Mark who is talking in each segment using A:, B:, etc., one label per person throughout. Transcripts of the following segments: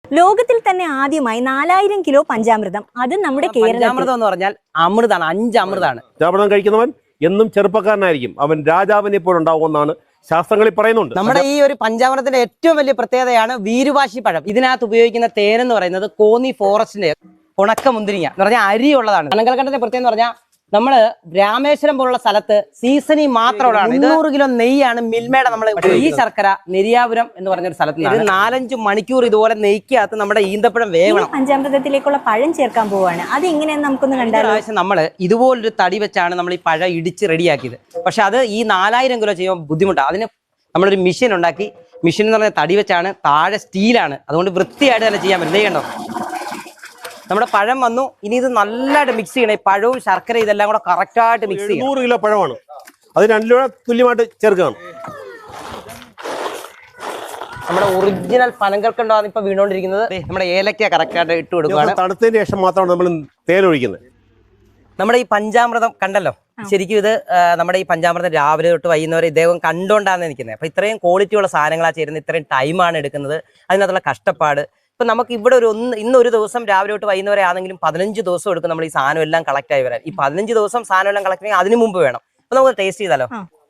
A: ലോകത്തിൽ തന്നെ ആദ്യമായി 4000 കിലോ പഞ്ചാമൃതം, അത് നമ്മുടെ
B: പഞ്ചാമൃതം എന്ന് പറഞ്ഞാൽ അമൃതാണ്, 5 അമൃതാണ്.
C: പഞ്ചാമൃതം കഴിക്കുന്നവൻ എന്നും ചെറുപ്പക്കാരനായിരിക്കും, അവൻ രാജാവിനെ പോലുണ്ടാവുമെന്നാണ് ശാസ്ത്രങ്ങളിൽ പറയുന്നുണ്ട്.
B: നമ്മുടെ ഈ ഒരു പഞ്ചാമൃതത്തിന്റെ ഏറ്റവും വലിയ പ്രത്യേകതയാണ് വീരുവാശി പഴം. ഇതിനകത്ത് ഉപയോഗിക്കുന്ന തേനെന്ന് പറയുന്നത് കോന്നി ഫോറസ്റ്റിന്റെ ഉണക്ക മുന്തിരിങ്ങ എന്ന് പറഞ്ഞാൽ അരിയുള്ളതാണ്. അനങ്കൽക്കണ്ടത്തിന്റെ പ്രത്യേകത എന്ന് പറഞ്ഞാൽ നമ്മള് രാമേശ്വരം പോലുള്ള സ്ഥലത്ത് സീസണിൽ മാത്രമുള്ളതാണ്. 200 കിലോ നെയ്യാണ് മിൽമയുടെ നമ്മൾ ഈ ശർക്കര നെരിയാപുരം എന്ന് പറഞ്ഞൊരു സ്ഥലത്ത് ഇത് 4-5 മണിക്കൂർ ഇതുപോലെ നെയ്ക്കകത്ത് നമ്മുടെ ഈന്തപ്പഴം വേവണം.
A: പഞ്ചാമൃതത്തിലേക്കുള്ള പഴം ചേർക്കാൻ പോവാണ്. അത് എങ്ങനെയാന്ന് നമുക്കൊന്ന് കണ്ടാൽ.
B: പ്രാവശ്യം നമ്മള് ഇതുപോലൊരു തടി വെച്ചാണ് നമ്മൾ ഈ പഴം ഇടിച്ച് റെഡിയാക്കിയത്. പക്ഷെ അത് ഈ 4000 കിലോ ചെയ്യുമ്പോൾ ബുദ്ധിമുട്ടാണ്. അതിന് നമ്മളൊരു മെഷീൻ ഉണ്ടാക്കി. മെഷീൻ എന്ന് പറഞ്ഞാൽ തടി വെച്ചാണ്, താഴെ സ്റ്റീലാണ്, അതുകൊണ്ട് വൃത്തിയായിട്ട് തന്നെ ചെയ്യാൻ പറ്റും. ചെയ്യണ്ടോ? നമ്മുടെ പഴം വന്നു. ഇനി ഇത് നല്ലതായിട്ട് മിക്സ് ചെയ്യണം. ഈ പഴവും ശർക്കര ഇതെല്ലാം കൂടെ കറക്റ്റായിട്ട് മിക്സ് ചെയ്യണം.
C: 100 കിലോ പഴമാണ്, അത് 2 കിലോ തുല്യമായിട്ട് ചേർക്കണം.
B: നമ്മുടെ ഒറിജിനൽ പനങ്കൽക്കണ്ടാണ് ഇപ്പൊ വീണോണ്ടിരിക്കുന്നത്. നമ്മുടെ ഏലക്ക കറക്റ്റായിട്ട് ഇട്ട് കൊടുക്കുകയാണ്.
C: തണുത്തതിന് ശേഷം മാത്രമാണ് നമ്മൾ തേനൊഴിക്കുന്നത്.
B: നമ്മുടെ ഈ പഞ്ചാമൃതം കണ്ടല്ലോ, ശരിക്കും ഇത് നമ്മുടെ ഈ പഞ്ചാമൃതം രാവിലെ തൊട്ട് വൈകുന്നവരെ ഇദ്ദേഹം കണ്ടുകൊണ്ടാണ് നിൽക്കുന്നത്. അപ്പൊ ഇത്രയും ക്വാളിറ്റിയുള്ള സാധനങ്ങളാണ് ചേരുന്നത്, ഇത്രയും ടൈമാണ് എടുക്കുന്നത്, അതിനകത്തുള്ള കഷ്ടപ്പാട്. ഇപ്പൊ നമുക്ക് ഇവിടെ ഇന്നൊരു ദിവസം രാവിലെ തൊട്ട് വൈകുന്നവരെ ആണെങ്കിലും 15 ദിവസം എടുക്കും നമ്മൾ ഈ സാധനം എല്ലാം കളക്ട് ആയി വരാൻ. ഈ 15 ദിവസം സാധനം എല്ലാം കളക്ട് ചെയ്യാൻ അതിന് മുമ്പ് വേണം. അപ്പൊ നമുക്ക് ടേസ്റ്റ് ചെയ്താലോ?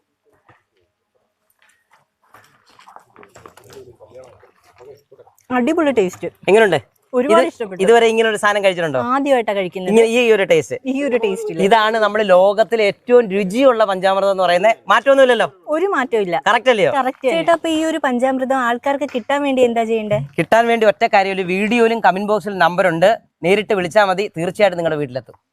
A: അടിപൊളി ടേസ്റ്റ്.
B: എങ്ങനെയുണ്ട്?
A: ഒരുപാട് ഇഷ്ടപ്പെട്ടു.
B: ഇതുവരെ ഇങ്ങനെ ഒരു സാധനം കഴിച്ചിട്ടുണ്ടോ?
A: ആദ്യമായിട്ടാണ് കഴിക്കുന്നത്
B: ഈ ഒരു ടേസ്റ്റ്.
A: ഈ ഒരു ടേസ്റ്റ്.
B: ഇതാണ് നമ്മുടെ ലോകത്തിലെ ഏറ്റവും രുചിയുള്ള പഞ്ചാമൃതം എന്ന് പറയുന്നത്. മാറ്റമൊന്നുമില്ലല്ലോ,
A: ഒരു മാറ്റവും ഇല്ല.
B: കറക്റ്റ് അല്ലയോ?
A: ചേട്ടാ, അപ്പൊ ഈ ഒരു പഞ്ചാമൃതം ആൾക്കാർക്ക് കിട്ടാൻ വേണ്ടി എന്താ ചെയ്യണ്ടേ?
B: കിട്ടാൻ വേണ്ടി ഒറ്റ കാര്യം, വീഡിയോയിലും കമന്റ് ബോക്സിലും നമ്പർ ഉണ്ട്, നേരിട്ട് വിളിച്ചാൽ മതി, തീർച്ചയായിട്ടും നിങ്ങളുടെ വീട്ടിലെത്തും.